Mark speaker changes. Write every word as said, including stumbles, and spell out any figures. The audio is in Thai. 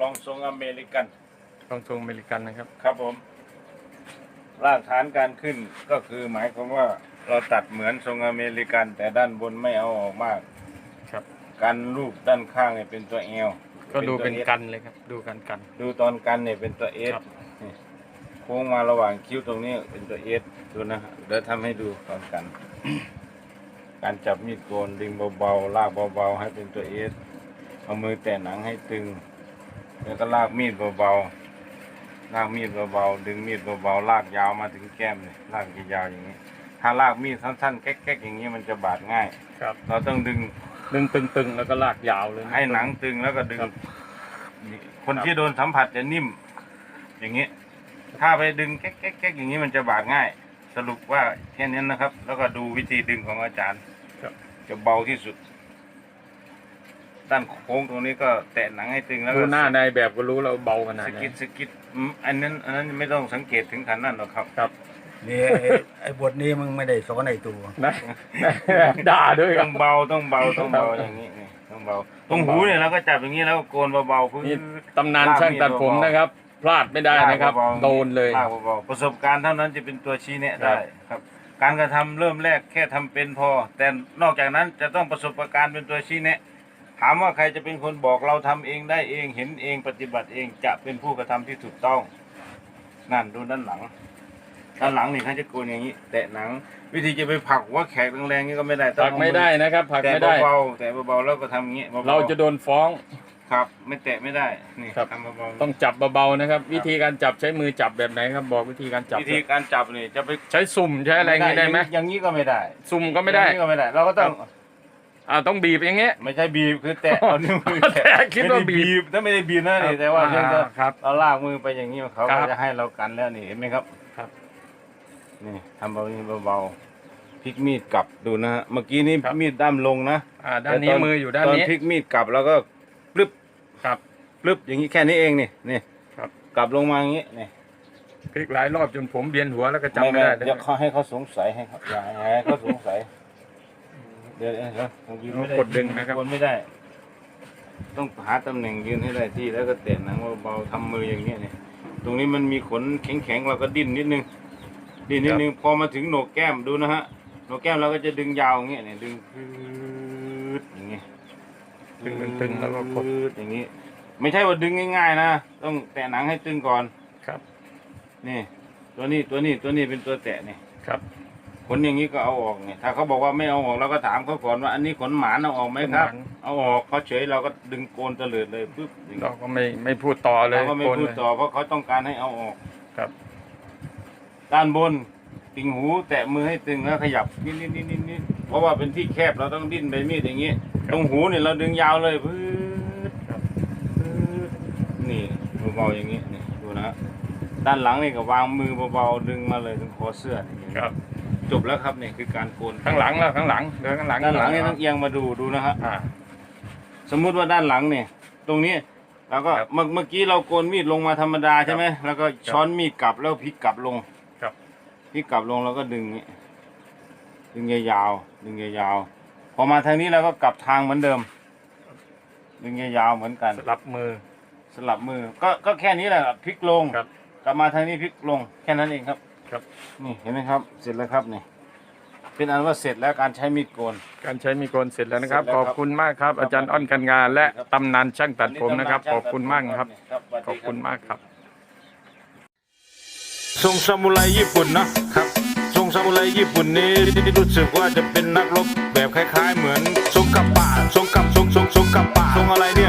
Speaker 1: ลองทรงอเมริกัน
Speaker 2: ลองทรงอเมริกันนะครับ
Speaker 1: ครับผมรากฐานการขึ้นก็คือหมายความว่าเราตัดเหมือนทรงอเมริกันแต่ด้านบนไม่เอาออกมาก
Speaker 2: ครับ
Speaker 1: กันรูปด้านข้างเนี่ยเป็นตัวเอล
Speaker 2: ก็ดูเป็นกันเลยครับดูกันกัน
Speaker 1: ดูตอนกันเนี่ยเป็นตัวเอสโค้งมาระหว่างคิ้วตรงนี้เป็นตัวเอสดูนะเดี๋ยวทำให้ดูตอนกัน การจับมีดโกนดึงเบาๆลากเบาๆให้เป็นตัวเอสเอามือแตะหนังให้ตึงแล้วก็ลากมีดเบาๆลากมีดเบาๆดึงมีดเบาๆลากยาวมาถึงแก้มเลยลากยาวๆอย่างนี้ถ้าลากมีดสั้นๆแก๊กๆอย่างนี้มันจะบาดง่าย
Speaker 2: ครับ
Speaker 1: เราต้องดึง
Speaker 2: ดึงตึงๆแล้วก็ลากยาวเลย
Speaker 1: ให้หนังตึงแล้วก็ดึงคนที่โดนสัมผัสจะนิ่มอย่างนี้ถ้าไปดึงแก๊กๆอย่างนี้มันจะบาดง่ายสรุปว่าแค่นี้นะครับแล้วก็ดูวิธีดึงของอาจารย์จะเบาที่สุดด้านโค้งตรงนี้ก็แตะหนังให้ตึงแล้ว
Speaker 2: ดูหน้าในแบบก็รู้เราเบาขนาดไหน
Speaker 1: สกิดสกิดอันนั้นอันนั้นไม่ต้องสังเกตถึงขนาดนั้นหรอกครับ
Speaker 2: ครับ
Speaker 3: นี่ไอ้บทนี้มึงไม่ได้สอนในตัว
Speaker 2: นะด่าด้วย
Speaker 1: ต้องเบาต้องเบาต้องเบาอย่างนี้นี่ต้องเบาตรงหูเนี่ยเราก็จับอย่างนี้แล้วโกนเบาๆพื้น
Speaker 2: ตำนานช่างตัดผมนะครับพลาดไม่ได้นะครับโดนเลย
Speaker 1: ประสบการณ์เท่านั้นจะเป็นตัวชี้แนะได้ครับการกระทำเริ่มแรกแค่ทำเป็นพอแต่นอกจากนั้นจะต้องประสบการณ์เป็นตัวชี้แนะถามว่าใครจะเป็นคนบอกเราทำเองได้เองเห็นเองปฏิบัติเองจะเป็นผู้กระทำที่ถูกต้องนั่นดูด้านหลังด้านหลังนี่เขาจะโกนอย่างนี้แตะหนังวิธีจะไปผลักว่าแขกแรงๆนี่ก็ไม่ได้
Speaker 2: ผลักไม่ได้นะครับผลักไม่ได้
Speaker 1: แต่เบาๆแต่เบาๆแล้วก็ทำอย่างนี้
Speaker 2: เราจะโดนฟ้อง
Speaker 1: ครับไม่แตะไม่ได้นี่
Speaker 2: ทำเบาๆต้องจับเบาๆนะครับวิธีการจับใช้มือจับแบบไหนครับบอกวิธีการจับ
Speaker 1: วิธีการจับนี่จะไป
Speaker 2: ใช้สุ่มใช้อะไรอย่างนี้ได้ไหม
Speaker 1: อย่างนี้ก็ไม่ได้
Speaker 2: สุ่มก็ไม่ได้
Speaker 1: ก็ไม่ได้เราก็ต้อง
Speaker 2: อ่าต้องบีบอย่างเงี้ย
Speaker 1: ไม่ใช่บีบคือแตะเอานิ้วมือแตะ
Speaker 2: คิดว่าบีบ
Speaker 1: ถ้าไม่ได้บีบนะนี่แต่ว่าเพียงแต่
Speaker 2: เรา
Speaker 1: ลากมือไปอย่างนี้เขาก็จะให้เรากันแล้วนี่เห็นไหมครับ
Speaker 2: ครับ
Speaker 1: นี่ทำเบาๆเบาๆพลิกมีดกลับดูนะฮะเมื่อกี้นี้มีดด้ามลงนะ
Speaker 2: อ่าด้านนี้มืออยู่ด้านนี้
Speaker 1: ตอนพลิกมีดกลับแล้วก็ปลึบ
Speaker 2: ครับ
Speaker 1: ปลึบอย่างนี้แค่นี้เองนี่นี่
Speaker 2: ครับ
Speaker 1: กลับลงมาอย่างนี้นี่
Speaker 2: พลิกหลายรอบจนผมเบียนหัวแล้วก็จำไม่ได้
Speaker 1: เดี๋ยวเขาให้เขาสงสัยให้เขาอย่าให้เขาสงสัยเดี๋ยวเดี๋ยวผมยืนไม่ได้
Speaker 2: กดดึงนะครับ
Speaker 1: คนไม่ได้ต้องหาตำแหน่งยืนให้ได้ที่แล้วก็เตะหนังเบาๆทำมืออย่างเงี้ยเนี่ยตรงนี้มันมีขนแข็งๆเราก็ดิ้นนิดนึงดิ้นนิดนึงพอมาถึงโหนกแก้มดูนะฮะโหนกแก้มเราก็จะดึงยาวอย่างเงี้ยเนี่ยดึงพืดอย่างเงี้ย
Speaker 2: ดึงตึงแล้วก็กด
Speaker 1: อย่างงี้ไม่ใช่ว่าดึงง่ายๆนะต้องแตะหนังให้ตึงก่อน
Speaker 2: ครับ
Speaker 1: นี่ตัวนี้ตัวนี้ตัวนี้เป็นตัวแตะนี่
Speaker 2: ครับ
Speaker 1: ขนอย่างนี้ก็เอาออกเนี่ยถ้าเขาบอกว่าไม่เอาออกเราก็ถามเขาก่อนว่าอันนี้ขนหมาเอาออกไหมครับเอาออกเขาเฉยเราก็ดึงโกนเตลิดเลยปึ๊บ
Speaker 2: เราก็ไม่ไม่พูดต่อเลย
Speaker 1: เราก็ไม่พูดต่อเพราะเขาต้องการให้เอาออก
Speaker 2: ครับ
Speaker 1: ด้านบนติ่งหูแตะมือให้ตึงแล้วขยับนิดนิดนิดนิดนิดเพราะว่าเป็นที่แคบเราต้องดิ้นไปมีดอย่างนี้ตรงหูเนี่ยเราดึงยาวเลยปึ๊บนี่เบาๆอย่างนี้นี่ดูนะด้านหลังนี่ก็วางมือเบาๆดึงมาเลยถึงคอเสื้อ
Speaker 2: ครับ
Speaker 1: จบแล้วครับนี่คือการโกน
Speaker 2: ข้างหลังแล้วข้างหลังเดินข้างหลัง
Speaker 1: ด้านหลังนี่ต้องเอียงมาดูดูนะครับสมมุติว่าด้านหลังเนี่ยตรงนี้เราก็เมื่อเมื่อกี้เราโกนมีดลงมาธรรมดาใช่ไหมแล้วก็ช้อนมีดกลับแล้วพลิกกลับลงพลิกกลับลงแล้วก็ดึงนี้ดึงยาวๆดึงยาวๆพอมาทางนี้เราก็กลับทางเหมือนเดิมดึงยาวๆเหมือนกัน
Speaker 2: สลับมือ
Speaker 1: สลับมือก็ก็แค่นี้แหละพลิกลงกลับมาทางนี้พลิกลงแค่นั้นเองครับ
Speaker 2: ครับ
Speaker 1: นี่เห็นไหมครับเสร็จแล้วครับนี่เป็นอันว่าเสร็จแล้วการใช้มีดโกน
Speaker 2: การใช้มีดโกนเสร็จแล้วนะครับขอบคุณมากครับอาจารย์อ้อนกันงานและตำนานช่างตัดผมนะครับขอบคุณมากครับขอบคุณมากครับ
Speaker 1: ทรงซามูไรญี่ปุ่นนะครับทรงซามูไรญี่ปุ่นนี้รู้สึกว่าจะเป็นนักรบแบบคล้ายๆเหมือนทรงกับป่าทรงกับทรงทรงทรงกับป่าทรงอะไรนี่